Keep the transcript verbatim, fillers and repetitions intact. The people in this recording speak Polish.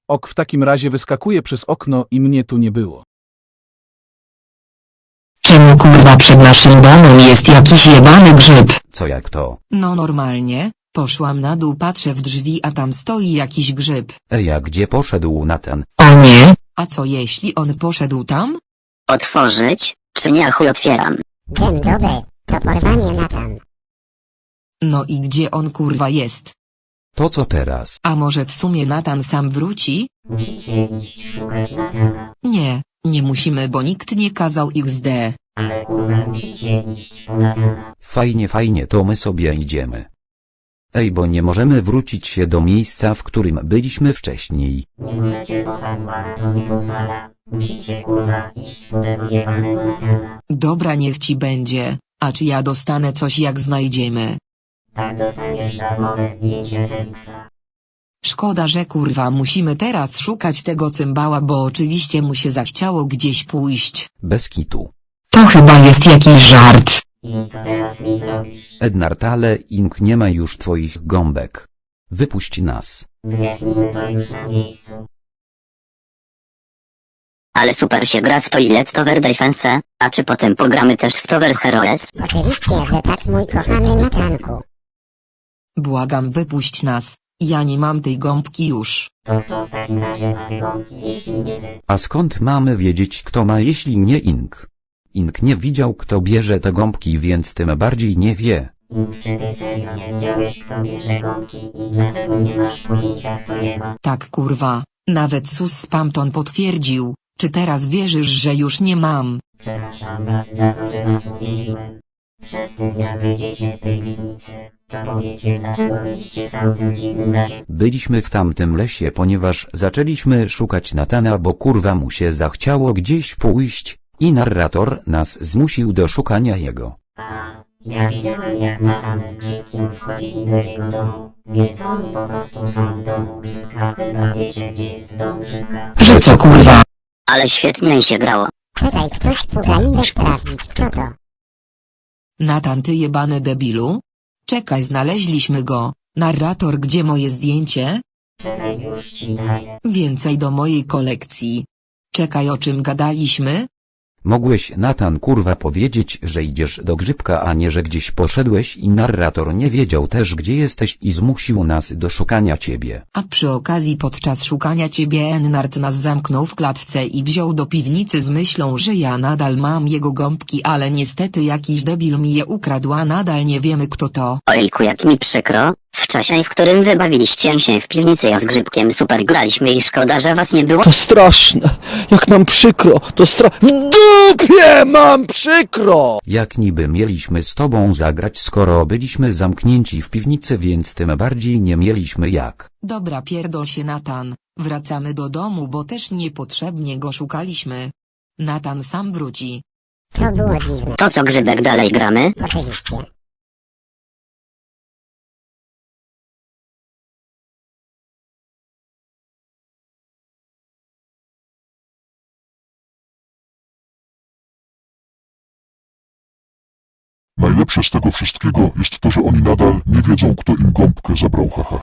Ok, w takim razie wyskakuję przez okno i mnie tu nie było. Czemu kurwa przed naszym domem jest jakiś jebany grzyb? Co jak to? No normalnie, poszłam na dół, patrzę w drzwi, a tam stoi jakiś grzyb. Ej, a gdzie poszedł Natan? O nie? A co jeśli on poszedł tam? Otworzyć, czy nie, a chuj otwieram. Dzień dobry, to porwanie Natan. No i gdzie on kurwa jest? To co teraz? A może w sumie Natan sam wróci? Musicie iść szukać Natana. Nie, nie musimy, bo nikt nie kazał iks de. Ale kurwa musicie iść po Natana. Fajnie, fajnie, to my sobie idziemy. Ej, bo nie możemy wrócić się do miejsca, w którym byliśmy wcześniej. Nie możecie, bo fabuła na to nie pozwala. Musicie kurwa iść po tego jebanego Natana. Dobra, niech ci będzie. A czy ja dostanę coś jak znajdziemy? Tak dostaniesz darmowe zdjęcie Feliksa. Szkoda, że kurwa musimy teraz szukać tego cymbała, bo oczywiście mu się zachciało gdzieś pójść. Bez kitu. To chyba jest jakiś żart. I co teraz mi zrobisz? Ednard, ale Ink nie ma już twoich gąbek. Wypuść nas. Wyjaśnijmy to już na miejscu. Ale super się gra w Toilet Tower Defense, a czy potem pogramy też w Tower Heroes? Oczywiście, że tak, mój kochany Natanku. Błagam, wypuść nas. Ja nie mam tej gąbki już. To kto w takim razie ma te gąbki, jeśli nie ty? A skąd mamy wiedzieć, kto ma, jeśli nie Ink? Ink nie widział, kto bierze te gąbki, więc tym bardziej nie wie. Ink, czy ty serio nie widziałeś, kto bierze gąbki i dlatego nie masz pojęcia, kto je ma? Tak kurwa, nawet Sus Spamton potwierdził. Czy teraz wierzysz, że już nie mam? Przepraszam was za to, że was uwięziłem. Przed tym jak wyjdziecie z tej piwnicy, to powiecie, dlaczego byliście w tamtym dziwnym lesie. Byliśmy w tamtym lesie, ponieważ zaczęliśmy szukać Natana, bo kurwa mu się zachciało gdzieś pójść i narrator nas zmusił do szukania jego. A, ja widziałem jak Natan z Grzybkiem wchodzili do jego domu, więc oni po prostu są w domu Grzybka. Chyba wiecie, gdzie jest dom Grzybka. Że co kurwa? Ale świetnie się grało. Czekaj, ktoś puka, idę sprawdzić, kto to. Natan, ty jebany debilu? Czekaj, znaleźliśmy go. Narrator, gdzie moje zdjęcie? Czekaj, już ci daję. Więcej do mojej kolekcji. Czekaj, o czym gadaliśmy? Mogłeś, Natan, kurwa, powiedzieć, że idziesz do Grzybka, a nie, że gdzieś poszedłeś i narrator nie wiedział też, gdzie jesteś i zmusił nas do szukania ciebie. A przy okazji podczas szukania ciebie Ennard nas zamknął w klatce i wziął do piwnicy z myślą, że ja nadal mam jego gąbki, ale niestety jakiś debil mi je ukradł, a nadal nie wiemy kto to. Ojku, jak mi przykro. W czasie, w którym wybawiliście się w piwnicy, ja z Grzybkiem super graliśmy i szkoda, że was nie było. To straszne, jak nam przykro, to stra... W dupie mam przykro! Jak niby mieliśmy z tobą zagrać, skoro byliśmy zamknięci w piwnicy, więc tym bardziej nie mieliśmy jak. Dobra, pierdol się Natan, wracamy do domu, bo też niepotrzebnie go szukaliśmy. Natan sam wróci. To było dziwne. To co, Grzybek, dalej gramy? Oczywiście. Najlepsze z tego wszystkiego jest to, że oni nadal nie wiedzą, kto im gąbkę zabrał, haha.